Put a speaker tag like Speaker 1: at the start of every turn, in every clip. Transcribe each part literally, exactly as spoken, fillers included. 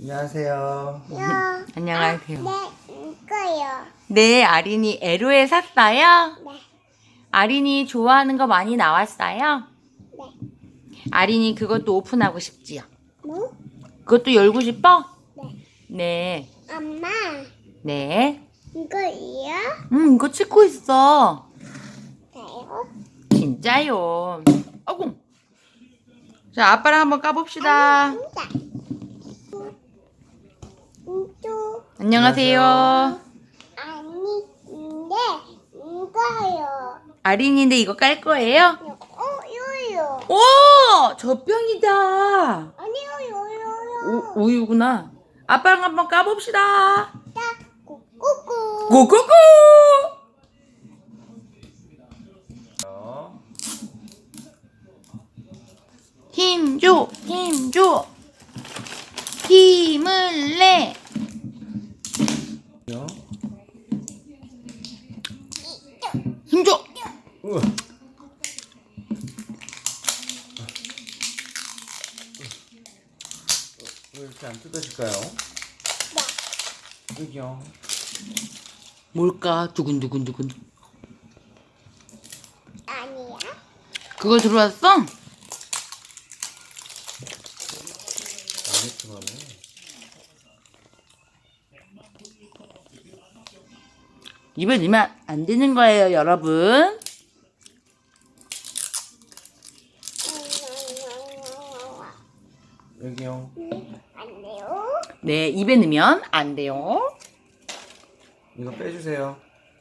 Speaker 1: 안녕하세요.
Speaker 2: 요.
Speaker 3: 안녕하세요.
Speaker 2: 네, 이거요.
Speaker 3: 네, 아린이 에로에 샀어요?
Speaker 2: 네,
Speaker 3: 아린이 좋아하는 거 많이 나왔어요?
Speaker 2: 네.
Speaker 3: 아린이 그것도 오픈하고 싶지요?
Speaker 2: 뭐?
Speaker 3: 그것도 열고 싶어?
Speaker 2: 네.
Speaker 3: 네.
Speaker 2: 엄마,
Speaker 3: 네.
Speaker 2: 이거요?
Speaker 3: 음, 이거 찍고 있어.
Speaker 2: 돼요?
Speaker 3: 진짜요. 어구. 자, 아빠랑 한번 까봅시다.
Speaker 2: 진짜. 이거
Speaker 3: 안녕하세요.
Speaker 2: 아니, 근데 이거요.
Speaker 3: 아린이인데 이거 깔 거예요?
Speaker 2: 어, 요요.
Speaker 3: 오! 젖병이다.
Speaker 2: 아니요, 요요요.
Speaker 3: 우, 우유구나. 아빠랑 한번 까봅시다.
Speaker 2: 딱, 꾸꾸꾸.
Speaker 3: 고고고! 힘 줘, 힘 줘. 힘을 내. 힘 줘.
Speaker 1: 우와. 왜 이렇게 안 뜯어질까요? 여기요.
Speaker 3: 뭘까? 두근두근두근.
Speaker 2: 아니야?
Speaker 3: 그거 들어왔어?
Speaker 1: 알겠지만은.
Speaker 3: 입에 넣으면 안 되는 거예요, 여러분.
Speaker 1: 여기요.
Speaker 2: 안 돼요?
Speaker 3: 네, 입에 넣으면 안 돼요.
Speaker 1: 이거 빼주세요.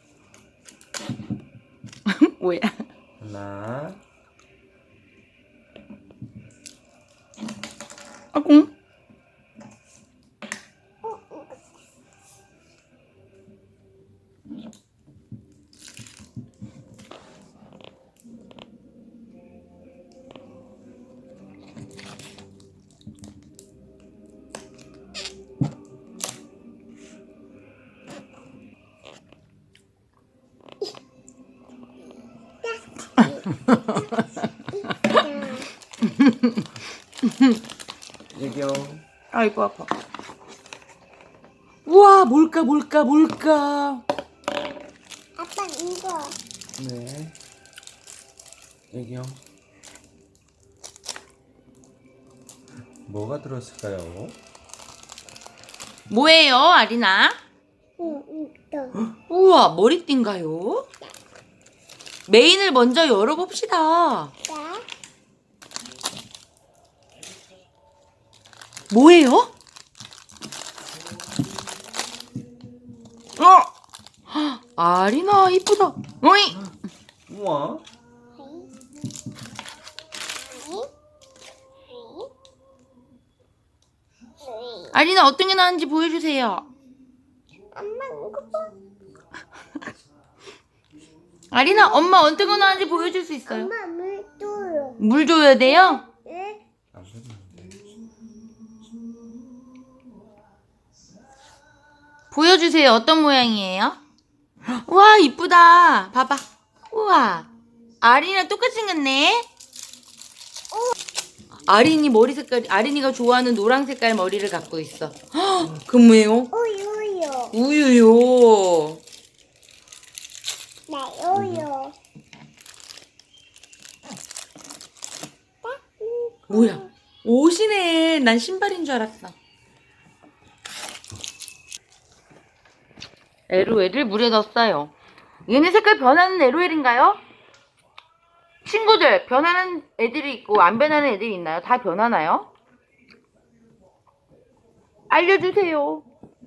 Speaker 3: 뭐야?
Speaker 1: 하나.
Speaker 3: 아궁.
Speaker 1: 여기요.
Speaker 3: 아이고 아파. 우와, 뭘까 뭘까 뭘까.
Speaker 2: 아빠 이거.
Speaker 1: 네. 여기요. 뭐가 들었을까요?
Speaker 3: 뭐예요, 아리나?
Speaker 2: 응, 이거.
Speaker 3: 우와, 머리띠인가요? 메인을 먼저 열어봅시다.
Speaker 2: 네.
Speaker 3: 뭐예요? 어! 아리나 이쁘다. 어이!
Speaker 1: 우와.
Speaker 3: 아리나 어떤 게 나왔는지 보여주세요.
Speaker 2: 엄마 이거 봐.
Speaker 3: 아리나 엄마 어떤 거 나왔는지 보여줄 수 있어요?
Speaker 2: 엄마 물 줘요.
Speaker 3: 물 줘야 돼요?
Speaker 2: 네.
Speaker 1: 안 뜯는데.
Speaker 3: 보여주세요. 어떤 모양이에요? 와, 이쁘다. 봐봐. 우와. 아린이랑 똑같이 생겼네. 아린이 머리 색깔, 아린이가 좋아하는 노란 색깔 머리를 갖고 있어. 헉, 그 뭐예요?
Speaker 2: 우유요.
Speaker 3: 우유요.
Speaker 2: 네, 우유.
Speaker 3: 뭐야? 옷이네. 난 신발인 줄 알았어. 에로엘을 물에 넣었어요. 얘네 색깔 변하는 에로엘인가요? 친구들, 변하는 애들이 있고 안 변하는 애들이 있나요? 다 변하나요? 알려주세요.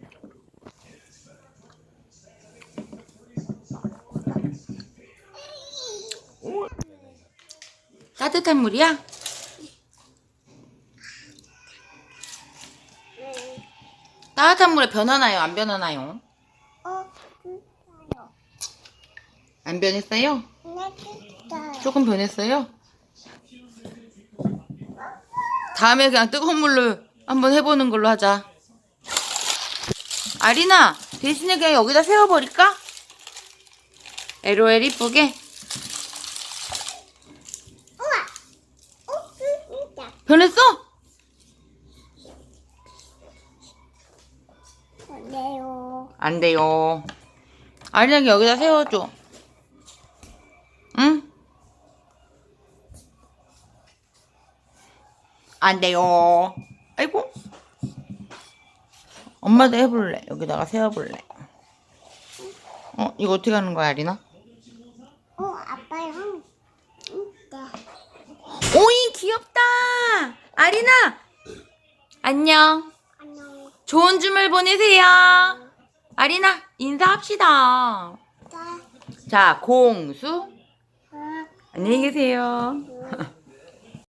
Speaker 3: 따뜻한 물이야? 따뜻한 물에 변하나요? 안 변하나요?
Speaker 2: 어, 진짜요.
Speaker 3: 안 변했어요?
Speaker 2: 네, 진짜요.
Speaker 3: 조금 변했어요? 다음에 그냥 뜨거운 물로 한번 해보는 걸로 하자. 아리나, 대신에 그냥 여기다 세워버릴까? 에로엘 이쁘게.
Speaker 2: 우와. 어, 진짜.
Speaker 3: 변했어? 안 돼요. 아린아 여기다 세워줘. 응? 안 돼요. 아이고. 엄마도 해볼래. 여기다가 세워볼래. 어, 이거 어떻게 하는 거야, 아린아?
Speaker 2: 어, 아빠랑. 응, 네.
Speaker 3: 오이, 귀엽다. 아린아. 안녕.
Speaker 2: 안녕.
Speaker 3: 좋은 주말 보내세요. 아린아, 인사합시다.
Speaker 2: 자,
Speaker 3: 자, 공수.
Speaker 2: 어,
Speaker 3: 안녕히 계세요.
Speaker 2: 음.